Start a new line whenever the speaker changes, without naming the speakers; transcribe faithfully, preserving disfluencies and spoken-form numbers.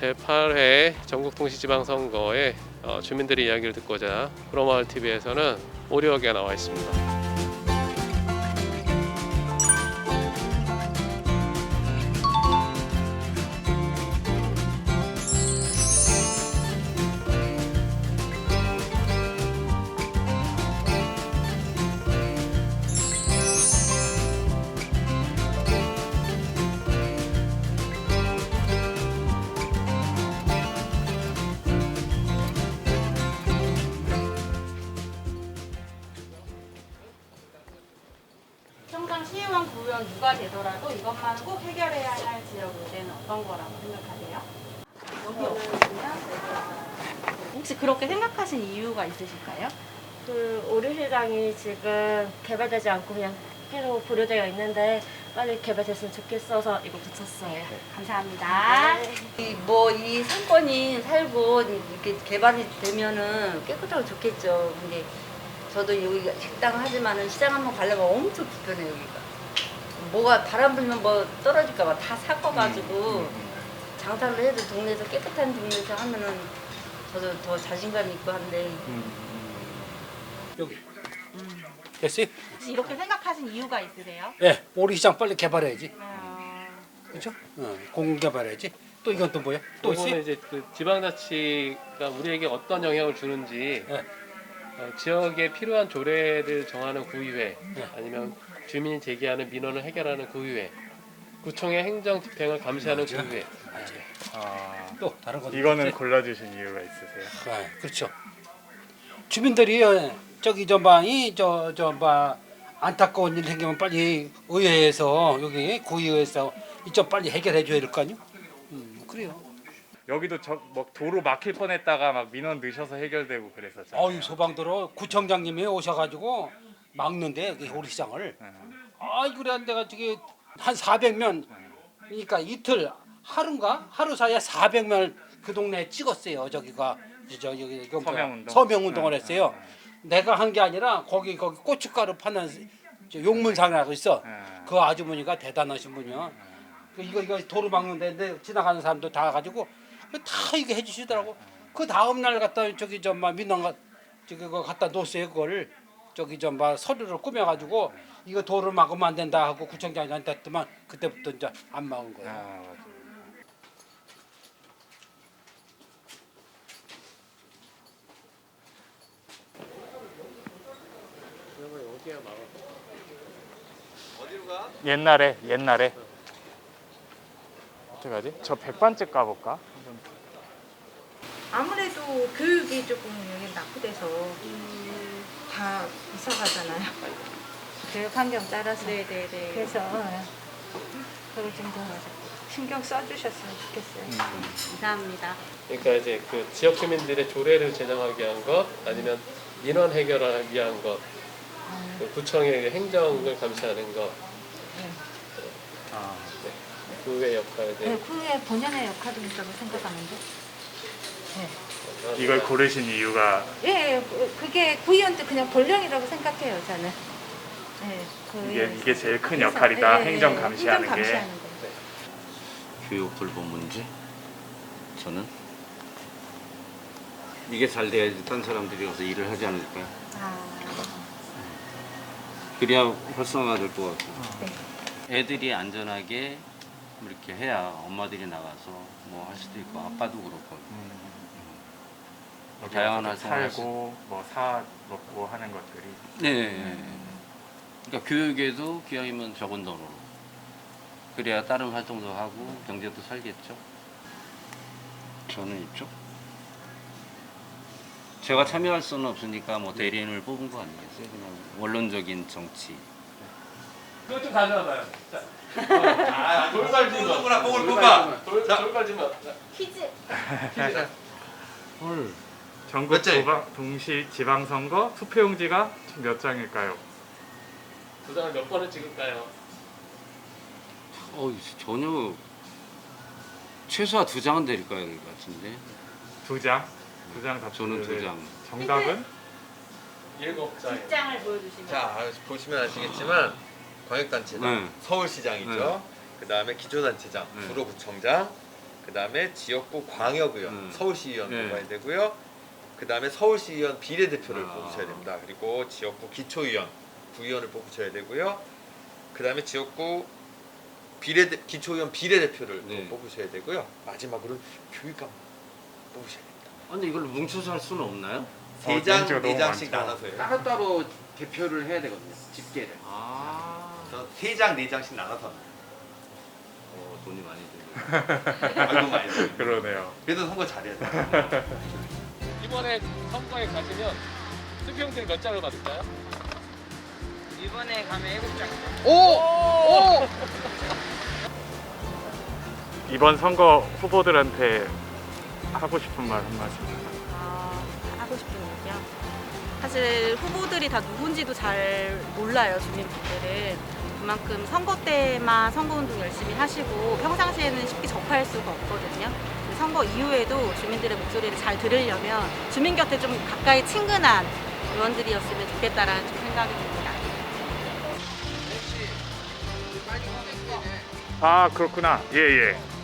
제팔 회 전국동시지방선거에 어, 주민들의 이야기를 듣고자 프로마을티비에서는 오리역에 나와 있습니다.
평당 시의원, 구의원 누가 되더라도 이것만 꼭 해결해야 할 지역 문제는 어떤 거라고 생각하세요? 여기는 혹시 그렇게 생각하신 이유가 있으실까요?
그 오리시장이 지금 개발되지 않고 그냥 계속 보류되어 있는데 빨리 개발됐으면 좋겠어서 이거 붙였어요.
감사합니다.
뭐 이 상권이 살고 이렇게 개발이 되면은 깨끗하고 좋겠죠. 근데 저도 여기 식당 하지만은 시장 한번 가려면 엄청 불편해요 여기가. 뭐가 바람 불면 뭐 떨어질까봐 다 섞어가지고 장사를 해도 동네에서 깨끗한 동네에서 하면은 저도 더 자신감 있고 한데.
여기 됐어요?
혹시 이렇게 생각하신 이유가 있으세요?
예, 오리시장 빨리 개발해야지.
어...
그렇죠? 어, 공공 개발해야지. 또 이건 또 뭐야? 또
이거는
있어요?
이제 그 지방자치가 우리에게 어떤 영향을 주는지
예.
어, 지역에 필요한 조례를 정하는 구의회
네.
아니면 주민이 제기하는 민원을 해결하는 구의회, 구청의 행정 집행을 감시하는
맞아.
구의회.
맞아요.
아,
또 다른 거
이거는
있어요?
골라주신 이유가 있으세요?
아, 그렇죠. 주민들이 어, 저기 저방이 저저봐 안타까운 일 생기면 빨리 의회에서 여기 구의회에서 이쪽 빨리 해결해 줘야 될 거 아니요? 음, 그래요.
여기도 저 뭐 도로 막힐 뻔했다가 막 민원 넣으셔서 해결되고 그랬었잖아요.
어유 소방도로 구청장님이 오셔가지고 막는데 그 오리시장을. 아이 그래 내가 저기 한 사백 명 그러니까 이틀 하루인가 하루 사이에 사백 명을 그 동네에 찍었어요. 저기가 저 여기 이거 뭐야?
서명운동?
서명운동을
네,
했어요. 내가 한 게 아니라 거기 거기 고춧가루 파는 저 용문상이라고 있어.
네.
그 아주머니가 대단하신 분이야. 그 이거 이거 도로 막는데 근데 지나가는 사람도 다 가지고 다 이거 해주시더라고. 그 다음 날 갖다 저기 좀막 민원가 저기 그거 갖다 놓으세요 그걸 저기 좀막 서류를 꾸며가지고 이거 도로 막으면 안 된다 하고 구청장한테 했더만 그때부터 이제 안 막은 거야.
아, 맞아요.
여기야 막아.
옛날에 옛날에 어떻게 하지? 저 백반집 가볼까?
아무래도 교육이 조금 여기 낙후돼서 다 이사 가잖아요. 교육 환경 따라서.
네네네.
그래서 그걸 좀 더 신경 써주셨으면 좋겠어요.
감사합니다.
그러니까 이제 그 지역 주민들의 조례를 제정하기 위한 것 아니면 민원 해결을 위한 것, 그 구청의 행정을 감시하는 것,
아,
네. 구의 역할에
네, 그게 본연의 역할이 있다고 생각하는데.
이걸 고르신 이유가
예, 예, 그- 그게 구의원도 그냥 본령이라고 생각해요, 저는. 예,
이게
구의원.
이게 제일 큰
그래서-
역할이다.
예, 예,
행정
예,
감시하는
행정
게.
감시하는 거.
교육 돌봄 문제? 저는 이게 잘 돼야지 딴 사람들이 가서 일을 하지 않을까요?
아,
그래야 활성화될 것 같고
네.
애들이 안전하게 이렇게 해야 엄마들이 나가서 뭐 할 수도 있고 아빠도 그렇고
여기
다양한
와서
활동을 할 수-
살고 뭐 사 먹고 하는 것들이.
네. 그러니까 교육에도 기왕이면 적은 돈으로 그래야 다른 활동도 하고 경제도 살겠죠. 저는 있죠. 제가 참여할 수는 없으니까 뭐 대리인을 뽑은 거 아니겠어요? 그냥 원론적인 정치.
이거 좀 가져와봐요. 자, 아, 돌발지 마. 뽕을 뽕을 뽑아. 돌 돌발지 마.
퀴즈.
헐.
전국 도방, 동시 지방선거 투표용지가 총 몇 장일까요?
두 장을 몇 번을 찍을까요?
어, 전혀 최소한 두 장은 될 것 같은데.
두 장. 두 장 답.
저는 두 장.
정답은
일곱 장.
뒷장을 보여주시면.
자 보시면 아시겠지만 광역단체장,
네.
서울시장이죠.
네.
그 다음에 기초단체장,
네.
구로구청장, 그 다음에 지역구 광역의원,
음.
서울시의원
네.
뽑아야 되고요. 그 다음에 서울시의원 비례대표를
아.
뽑으셔야 됩니다. 그리고 지역구 기초의원, 구의원을 뽑으셔야 되고요. 그 다음에 지역구 비례 기초의원 비례대표를 또
네.
뽑으셔야 되고요. 마지막으로 교육감 뽑으셔야 됩니다.
아, 근데 이걸 뭉쳐서 할 수는 없나요?
세 장, 네 장씩 나눠서요.
따로따로 대표를 해야 되거든요. 집계를.
아,
그래서 세 장, 네 장씩 나눠서 합니다.
어, 돈이 많이 들고.
아이고 많이 들어요.
그러네요.
그래도 선거 잘해야 돼요.
이번에 선거에 가시면 투표용지를 몇 장을 받을까요?
이번에 가면 일곱 장.
이번 선거 후보들한테 하고 싶은 말 한 말씀.
아, 하고 싶은 얘기요? 사실 후보들이 다 누군지도 잘 몰라요, 주민분들은. 그만큼 선거 때만 선거운동 열심히 하시고 평상시에는 쉽게 접할 수가 없거든요. 근데 선거 이후에도 주민들의 목소리를 잘 들으려면 주민 곁에 좀 가까이 친근한 의원들이었으면 좋겠다라는 좀 생각이 듭니다.
아, 그렇구나. 예, 예.